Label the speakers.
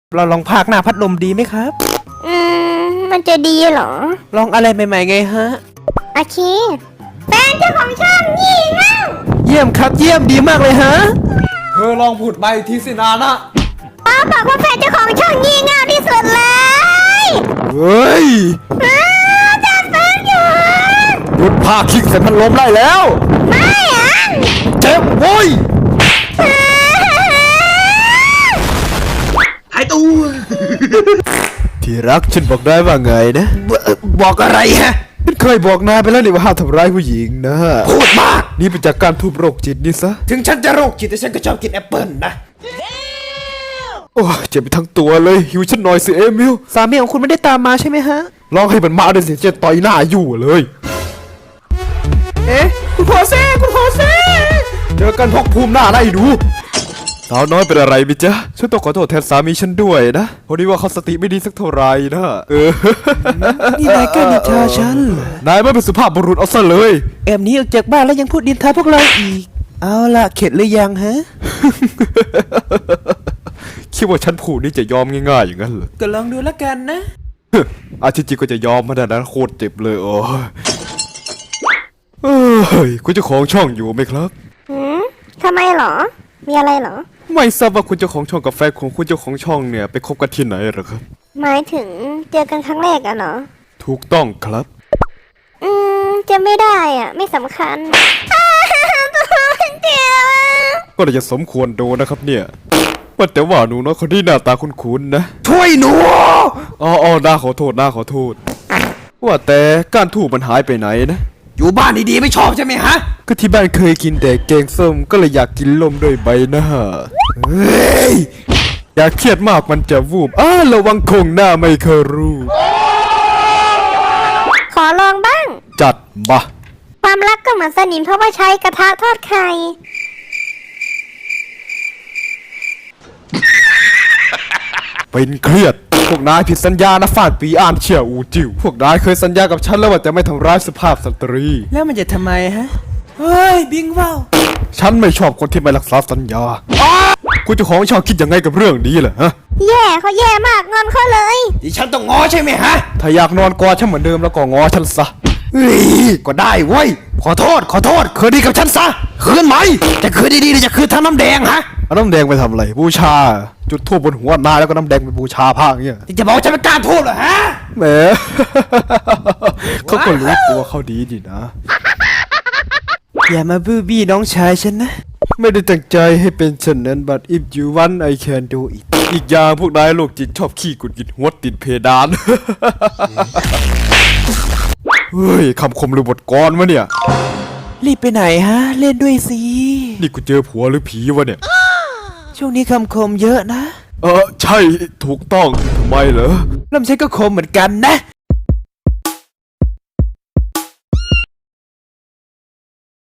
Speaker 1: เราลองพากหน้าพัดลมดีไหมครับ
Speaker 2: มันจะดีเหรอ
Speaker 1: ลองอะไรใหม่ๆไงฮะ
Speaker 2: โอเคแฟนเจ้าของช่องงี่เง่า
Speaker 1: เยี่ยมครับเยี่ยมดีมากเลยฮะ
Speaker 3: เธอลองพูดไปทีสินานะ
Speaker 2: ป้าบอกว่าแฟนเจ้าของช่องงี่เง่าที่สุดเลย
Speaker 3: เฮ้ย
Speaker 2: จัดแฟนอยู่
Speaker 3: หยุดพาคิกใส่พัดลมได้แล้ว
Speaker 2: ไม่อ่ะ
Speaker 3: เจ็บโว้ย
Speaker 1: หายตูนที่รักฉันบอกได้ว่าไงนะบอกอะไรฮะ
Speaker 3: ฉันเคยบอกนายไปแล้วนี่ว่าห้ามทำร้ายผู้หญิงนะ
Speaker 1: พูดมาก
Speaker 3: นี่เป็นจากการทุบโรคจิตนี่ซะ
Speaker 1: ถึงฉันจะโรคจิตแต่ฉันก็ชอบกินแอปเปิลนะ
Speaker 3: โอ้ยเจ็บไปทั้งตัวเลยหิวฉันหน่อยสิเอมิล
Speaker 1: สามีของคุณไม่ได้ตามมาใช่ไหมฮะ
Speaker 3: ลองให้มันมาด้วยสิจะต่อยหน้าอยู่เลย
Speaker 1: เอ๊ะคุณโฮเซ่คุณโฮเซ่
Speaker 3: เจอกันพกภูมิหน้าไล่ดูสาวน้อยเป็นอะไรมิจ๊ะฉันต้องขอโทษแทนสามีฉันด้วยนะพอดีว่าเขาสติไม่ดีสักเท่าไหร่นะ
Speaker 1: นี่นายกล้านินทาฉัน
Speaker 3: นายไม่เป็นสุภาพบุรุษเอาซะเลย
Speaker 1: แอบหนี้ออกจากบ้านแล้วยังพูดดินทาพวกเราอีก เอาล่ะเข็ดหรือยังฮะ
Speaker 3: คิดว่าฉันผูดนี่จะยอมง่ายๆอย่างนั้นเหรอ
Speaker 1: ก็ลองดูแล้วกันนะ
Speaker 3: อาทิตย์จริงก็จะยอมมาแต่นั้นโคตรเจ็บเลยโอ้ยเอ้ยคุณเจ้าของช่องอยู่ไหมครับ
Speaker 2: ทำไมเหรอ มีอะไรเหรอ
Speaker 3: ไม่ทราบว่าคุณเจ้าของช่องกับแฟนของคุณเจ้าของช่องเนี่ยไปคบกันที่ไหนเหรอครับ
Speaker 2: หมายถึงเจอกันครั้งแรกอะเหรอ
Speaker 3: ถูกต้องครับ
Speaker 2: จะไม่ได้อ่ะ ไม่สำคัญตัวมันเจ็บอะ
Speaker 3: ก็เลยจะสมควรโดนนะครับเนี่ยว่าแต่ว่าหนูน้อยคนที่หน้าตาคุ้นๆนะ
Speaker 1: ช่วยหนู
Speaker 3: อ๋อน่าขอโทษน่าขอโทษ ว่าแต่ก้านทูบมันหายไปไหนนะ
Speaker 1: อยู่บ้านดีๆไม่ชอบใช่ไหมฮะ
Speaker 3: ก็ที่บ้านเคยกินแต่แกงส้มก็เลยอยากกินลมด้วยใบหน้า
Speaker 1: เฮ้ย
Speaker 3: อยากเครียดมากมันจะวูบระวังคงหน้าไม่เคยรู้
Speaker 2: ขอลองบ้าง
Speaker 3: จัดมา
Speaker 2: ความรักก็เหมือนสนิมเพราะว่าใช้กระทะทอดไข่
Speaker 3: เป็นเครียด พวกนายผิดสัญญานะฟาดปีอ่านเชี่ยอูจิวพวกนายเคยสัญญากับฉันแล้วว่าจะไม่ทำร้ายสุภาพสตรี
Speaker 1: แล้วมันจะทำไมฮะ เฮ้ย บิงว่าว
Speaker 3: ฉันไม่ชอบคนที่ไม่รักษาสัญญาคุณเจ้าของช่องคิดยังไงกับเรื่องนี้ล่ะฮะ
Speaker 2: แย่เขาแย่มากงอนเขาเลย
Speaker 1: ดิฉันต้องง้อใช่ไหมฮะ
Speaker 3: ถ้าอยากนอนกอดฉันเหมือนเดิมแล้วก็งอฉันซะ
Speaker 1: เฮ้ย ก็ได้เว้ย ขอโทษคืนดีกับฉันซะ คืนไหม จะคืนดีๆหรือจะคืนทั้งน้ำแดงฮะ
Speaker 3: เอาน้ำแดงไปทำอะไรบูชา จุดธูปบนหัวนายแล้วก็น้ำแดงไปบูชาพระอย่างเงี้ย
Speaker 1: จะบอกว่าฉันเป็นการทูบเหรอฮะ
Speaker 3: แหม เขาก็รู้ตัวเขาดีดีนะ
Speaker 1: อย่ามาบูบี้น้องชายฉันนะ
Speaker 3: ไม่ได้ตั้งใจให้เป็นเช่นนั้น but if you want I can do it อีกอย่างพวกนายโรคจิตชอบขี้กุดกินหัวติดเพดาน เฮ้ยคำคมหรือบทกลอนวะเนี่ย
Speaker 1: รีบไปไหนฮะ เล่นด้วยสิ
Speaker 3: นี่กูเจอผัวหรือผีวะเนี่ย
Speaker 1: ช่วงนี้คำคมเยอะนะ
Speaker 3: ใช่ถูกต้องทำไมเหรอ
Speaker 1: แล้วฉันก็คมเหมือนกันนะ